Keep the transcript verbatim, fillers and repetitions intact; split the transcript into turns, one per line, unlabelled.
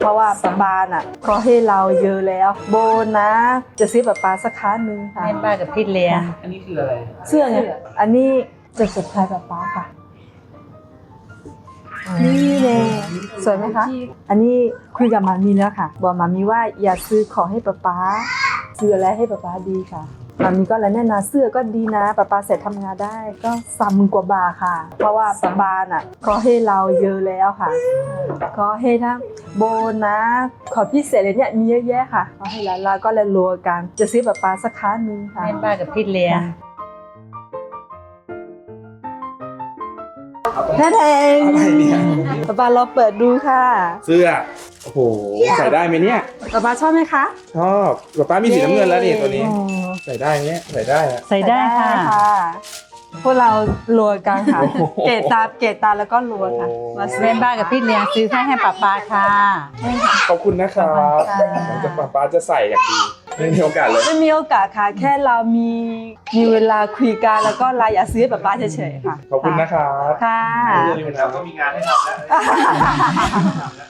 เพราะว่าป๊าป๊าน่ะเขาให้เราเยอะแล้วโบนะจะซื้อป๊าป๊าสักครั้งหนึ่งค่ะ
แม่ป้ากับพี่เลี้ยง
อันนี้คืออะไร
เสื้อไงอันนี้จะสุดท้ายป๊าป๊าค่ะนี่เลยสวยไหมคะอันนี้คุยกับมามีแล้วค่ะบอกมามีว่าอย่าซื้อของให้ป๊าป๊าซื้ออะไรให้ป๊าป๊าดีค่ะมามีก็แล้วแน่นะเสื้อก็ดีนะป๊าป๊าใส่ทำงานได้ก็สามหมื่นกว่าบาทค่ะ เพราะว่าป๊าป๊าน่ะเขาให้เราเยอะแล้วค่ะเขาให้ทั้งโบนะขอพิเศษเลยเนี่ยมีเยอะแยะค่ะเขาให้แล้วเราก็เลยรวมกันจะซื้อป๊าป๊าสักครั้งหนึ่งค่ะ
แม่ป้ากับพี่เลี้ยง
แท้แทง
อะไรเนี่ย
ป๊าป๊าเราเปิดดูค่ะ
เสื้อ โอ้โห ใส่ได้ไหมเนี่ย
ป๊าป๊าชอบไหมคะ
ชอบป๊าป้ามีสีน้ำเงินแล้วนี่ตัวนี้
อืม
ใส่ได้ไหมเนี่ยใส่ได้อะ
ใส่ได้ค่ะ
พวกเรารวมกันค่ะ
โอ้โห
เกตตาเกตตาแล้วก็รวมค่ะ
โอ้
มาซื้อ
แม่ป้ากับพี่เลี้ยงซื้อให้ให้ป้าป้าค่ะ
ขอบคุณนะครับ
ขอบคุณค่ะ
หลังจากป๊าป้าจะใส่อย่างดีไม่มีโอกาสเลย
ไม่มีโอกาสค่ะ แค่เรามีมีเวลาคุยกันแล้วก็เราอยากซื้อให้ป๊าป๊าเฉยๆค่ะ
ขอบคุณนะครับ
ค่ะ
อย่าลืมนะครับก็มีงานให้ทำแล้ว